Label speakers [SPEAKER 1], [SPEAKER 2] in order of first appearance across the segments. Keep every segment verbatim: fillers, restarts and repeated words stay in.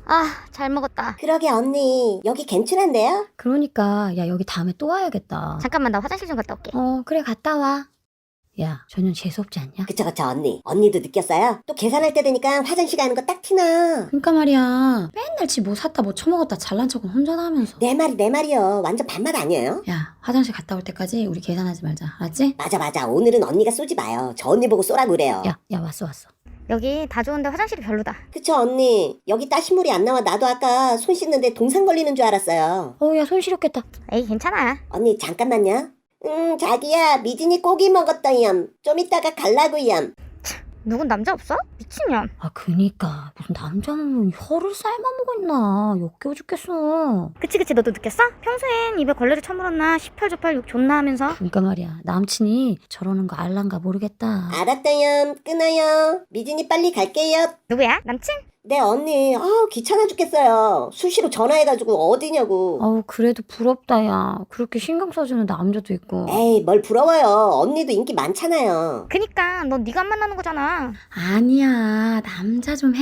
[SPEAKER 1] 아, 잘 먹었다.
[SPEAKER 2] 그러게 언니 여기 괜찮은데요?
[SPEAKER 3] 그러니까 야 여기 다음에 또 와야겠다.
[SPEAKER 1] 잠깐만, 나 화장실 좀 갔다 올게.
[SPEAKER 3] 어 그래 갔다 와. 야 전혀 재수없지 않냐?
[SPEAKER 2] 그쵸 그쵸 언니. 언니도 느꼈어요? 또 계산할 때 되니까 화장실 가는 거 딱 티나.
[SPEAKER 3] 그러니까 말이야 맨날 지 뭐 샀다 뭐 처먹었다 잘난 척은 혼자 다 하면서.
[SPEAKER 2] 내 말이 내 말이요. 완전 반맛 아니에요?
[SPEAKER 3] 야 화장실 갔다 올 때까지 우리 계산하지 말자 알았지?
[SPEAKER 2] 맞아 맞아. 오늘은 언니가 쏘지 마요. 저 언니 보고 쏘라고 그래요.
[SPEAKER 3] 야 야 왔어 왔어.
[SPEAKER 1] 여기 다 좋은데 화장실이 별로다.
[SPEAKER 2] 그쵸 언니. 여기 따신물이 안 나와. 나도 아까 손 씻는데 동상 걸리는 줄 알았어요.
[SPEAKER 3] 어우 야 손 시렵겠다.
[SPEAKER 1] 에이, 괜찮아.
[SPEAKER 2] 언니 잠깐만요. 음 자기야 미진이 고기 먹었다염. 좀 이따가 갈라고염.
[SPEAKER 1] 누군 남자 없어? 미친년.
[SPEAKER 3] 아 그니까 무슨 남자는 혀를 삶아먹고 있나 역겨워 죽겠어.
[SPEAKER 1] 그치 그치, 너도 느꼈어? 평소엔 입에 걸레를 쳐물었나 시팔조팔 욕 존나 하면서.
[SPEAKER 3] 그러니까 말이야 남친이 저러는 거 알란가 모르겠다.
[SPEAKER 2] 알았다염. 끊어요. 미진이 빨리 갈게요.
[SPEAKER 1] 누구야? 남친?
[SPEAKER 2] 네 언니. 아우 귀찮아 죽겠어요. 수시로 전화해가지고 어디냐고.
[SPEAKER 3] 어우 그래도 부럽다 야 그렇게 신경 써주는 남자도 있고.
[SPEAKER 2] 에이 뭘 부러워요. 언니도 인기 많잖아요.
[SPEAKER 1] 그니까 넌 네가 안 만나는 거잖아.
[SPEAKER 3] 아니야 남자 좀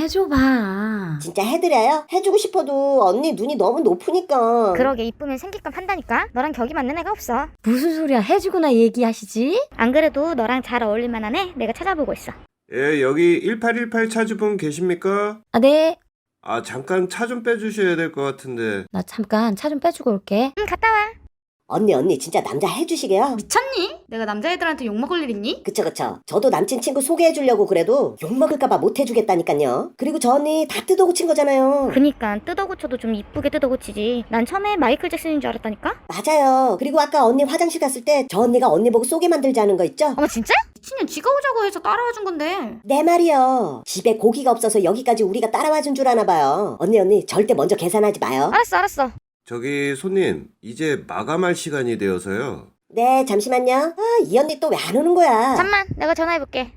[SPEAKER 3] 해줘봐.
[SPEAKER 2] 진짜 해드려요? 해주고 싶어도 언니 눈이 너무 높으니까.
[SPEAKER 1] 그러게, 이쁘면 생길감 한다니까. 너랑 격이 맞는 애가 없어.
[SPEAKER 3] 무슨 소리야 해주구나 얘기하시지?
[SPEAKER 1] 안 그래도 너랑 잘 어울릴 만한 애 내가 찾아보고 있어.
[SPEAKER 4] 예, 여기 일팔일팔 차주분 계십니까?
[SPEAKER 3] 아 네.
[SPEAKER 4] 아, 잠깐 차 좀 빼주셔야 될 것 같은데.
[SPEAKER 3] 나 잠깐 차 좀 빼주고 올게.
[SPEAKER 1] 응, 갔다 와.
[SPEAKER 2] 언니 언니 진짜 남자 해주시게요?
[SPEAKER 5] 미쳤니? 내가 남자애들한테 욕먹을 일 있니?
[SPEAKER 2] 그쵸 그쵸. 저도 남친 친구 소개해주려고 그래도 욕먹을까봐 못해주겠다니까요. 그리고 저 언니 다 뜯어고친 거잖아요.
[SPEAKER 1] 그니까 뜯어고쳐도 좀 이쁘게 뜯어고치지. 난 처음에 마이클 잭슨인 줄 알았다니까.
[SPEAKER 2] 맞아요. 그리고 아까 언니 화장실 갔을 때 저 언니가 언니 보고 쏘게 만들자는 거 있죠?
[SPEAKER 1] 어머, 진짜?
[SPEAKER 5] 미친년 지가 오자고 해서 따라와 준 건데.
[SPEAKER 2] 내 말이요. 집에 고기가 없어서 여기까지 우리가 따라와 준 줄 아나 봐요. 언니 언니 절대 먼저 계산하지 마요.
[SPEAKER 1] 알았어 알았어.
[SPEAKER 4] 저기 손님, 이제 마감할 시간이 되어서요.
[SPEAKER 2] 네 잠시만요. 아 이 언니 또 왜 안 오는 거야?
[SPEAKER 1] 잠만, 내가 전화해볼게.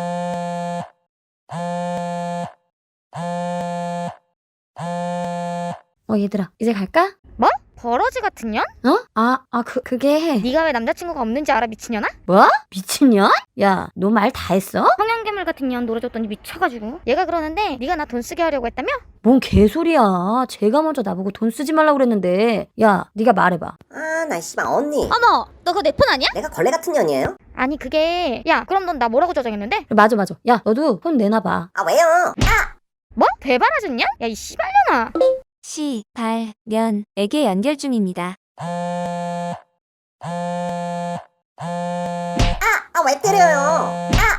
[SPEAKER 3] 어 얘들아 이제 갈까?
[SPEAKER 1] 뭐? 버러지 같은 년?
[SPEAKER 3] 어? 아, 아, 그, 그게.
[SPEAKER 1] 네가 왜 남자친구가 없는지 알아, 미친년아?
[SPEAKER 3] 뭐? 미친년? 야, 너 말 다 했어?
[SPEAKER 1] 성냥개물 같은 년 노려줬더니 미쳐가지고. 얘가 그러는데 네가 나 돈 쓰게 하려고 했다며?
[SPEAKER 3] 뭔 개소리야. 제가 먼저 나보고 돈 쓰지 말라고 그랬는데. 야, 네가 말해봐.
[SPEAKER 2] 아 나 씨발 언니.
[SPEAKER 1] 어머, 너 그거 내 폰 아니야?
[SPEAKER 2] 내가 걸레 같은 년이에요?
[SPEAKER 1] 아니 그게, 야 그럼 넌 나 뭐라고 저장했는데?
[SPEAKER 3] 맞아, 맞아. 야, 너도 돈 내놔봐.
[SPEAKER 2] 아 왜요?
[SPEAKER 1] 뭐? 대바라졌냐? 야 이 씨발년아.
[SPEAKER 6] 시, 발, 면에게 연결 중입니다.
[SPEAKER 2] 아 왜 때려요?